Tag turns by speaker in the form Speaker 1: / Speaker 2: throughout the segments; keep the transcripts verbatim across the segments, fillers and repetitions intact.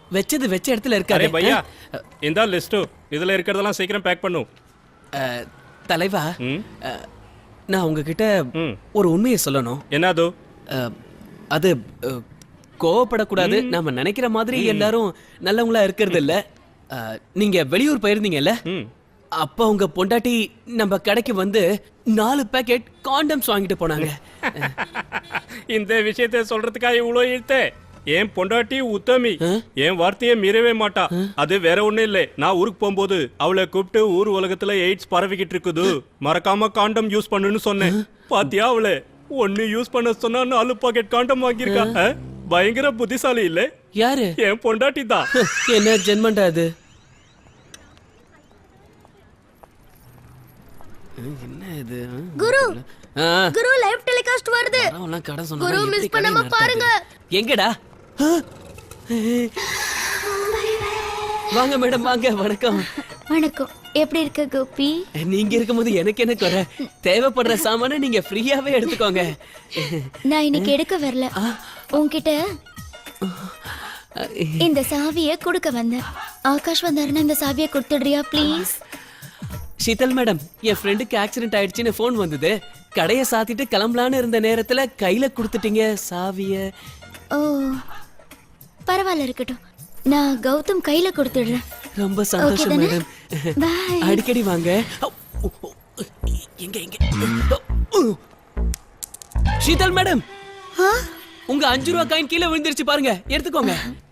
Speaker 1: வெச்சது வெச்ச இடத்துல இருக்காரு.
Speaker 2: அரே பையா இந்த லிஸ்ட் இதுல இருக்கிறதெல்லாம் சீக்கிரம் பேக் பண்ணு.
Speaker 1: அஹ், தலைவா
Speaker 2: ம்
Speaker 1: அஹ், நான் உங்ககிட்ட
Speaker 2: ம்
Speaker 1: ஒரு உண்மையை சொல்லணும்.
Speaker 2: என்னது?
Speaker 1: அஹ், அது அஹ், கோவப்படக்கூடாது. நாம நினைக்கிற மாதிரி எல்லாரும் நல்லவங்களா இருக்கிறது இல்ல. அஹ், நீங்க வெளியூர் போயிருந்தீங்கல்ல,
Speaker 2: ம்
Speaker 1: அப்ப உங்க பொண்டாட்டி நம்ம கடைக்கு வந்து நாலு பேக்கெட் காண்டம்ஸ் வாங்கிட்டு போனாங்க.
Speaker 2: இந்த விஷயத்தை சொல்றதுக்காக இவ்வளோ இழுத்தே. என் பொண்டாட்டி உத்தமி, என் வார்த்தையை மீறவே மாட்டா. அது வேற ஒண்ணும் இல்லை. நான் ஊருக்கு போகும்போது அவளை கூப்பிட்டு ஊர் உலகத்துல எய்ட்ஸ் பரவிக்கிட்டு இருக்குது, மறக்காம காண்டம் யூஸ் பண்ணுன்னு சொன்னேன். பாத்தியா அவளை ஒன்னு யூஸ் பண்ண சொன்னா நாலு பாக்கெட் காண்டம் வாங்கியிருக்கா. அஹ், பயங்கர புத்திசாலி இல்ல?
Speaker 1: யாரு?
Speaker 2: என் பொண்டாட்டி தான்.
Speaker 1: என்ன ஜென்மண்டா அது? என்ன இது?
Speaker 3: குரு
Speaker 1: ஆ,
Speaker 3: குரு லைவ் டெலிகாஸ்ட் வருது.
Speaker 1: வரவன்லாம் கடை சொன்னா
Speaker 3: குரு
Speaker 1: எப்படி
Speaker 3: மிஸ்
Speaker 1: கடை
Speaker 3: பண்ணாம
Speaker 1: நடத்துறது?
Speaker 3: பாருங்க.
Speaker 1: எங்கடா? ஆ, வாங்க மேடம் வாங்க. வணக்கம்.
Speaker 3: வணக்கம். எப்படி இருக்க கோபி?
Speaker 1: நீங்க இருக்கும்போது எனக்கு என்ன குறை? தேவைப்படுற சாமான நீங்க ஃப்ரீயாவே எடுத்துக்கோங்க.
Speaker 3: நான் இன்னைக்கு எடுக்க வரல. உன்கிட்ட இந்த சாவியை கொடுக்க வந்தேன். ஆகாஷ் வந்தாருன்னா இந்த சாவியை கொடுத்துடுறியா ப்ளீஸ்?
Speaker 1: ஷீதல் மேடம், என் ஃப்ரெண்டுக்கு ஆக்சிடென்ட் ஆயிடுச்சுன்னு ஃபோன் வந்தது. கடையை சாத்திட்டு கிளம்பலான்னு இருந்த நேரத்துல கையில கொடுத்துட்டீங்க சாவிய.
Speaker 3: ஓ பரவாயில்ல, இருக்கட்டும். நான் கௌதம் கையில கொடுத்துடுறேன்.
Speaker 1: ரொம்ப சந்தோஷம்
Speaker 3: தானே?
Speaker 1: மேடம்.
Speaker 3: Bye.
Speaker 1: அடிக்கடி வாங்க. எங்க எங்க? ஷீதல் மேடம், உங்க அஞ்சு ரூபா காயின் கீழே விழுந்துருச்சு பாருங்க, எடுத்துக்கோங்க.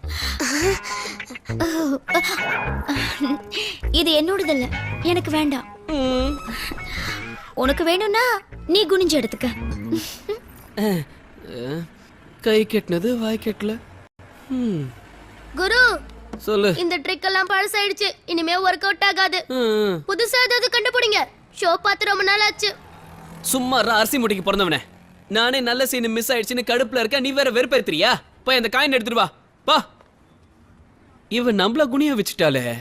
Speaker 3: இது என்னோடது இல்ல, எனக்கு வேண்டாம்.
Speaker 1: ம்.
Speaker 3: உனக்கு வேணும்னா நீ குனிஞ்சு எடுத்துக்க.
Speaker 1: அஹ், அஹ், கை கெட்டினது வாய் கெட்டல. ம்.
Speaker 3: குரு,
Speaker 1: சொல்லு.
Speaker 3: இந்த ட்ரிக் எல்லாம் பழசாயிடுச்சு. இனிமே ஒர்க் அவுட் ஆகாது.
Speaker 1: ம்.
Speaker 3: புதுசா ஏதாவது கண்டுபிடிங்க. ஷோ பார்த்து ரொம்ப நாள் ஆச்சு.
Speaker 1: சும்மா அரிசி முட்டைக்கு பிறந்தவனே. நானே நல்ல சீன் மிஸ் ஆயிடுச்சுன்னு கடுப்புல இருக்க, நீ வேற வெறுப்பேத்துறியா? போய் அந்த காயின் எடுத்துட்டு வா. பா. இவன் நம்மள குனிய வச்சுட்டாலே.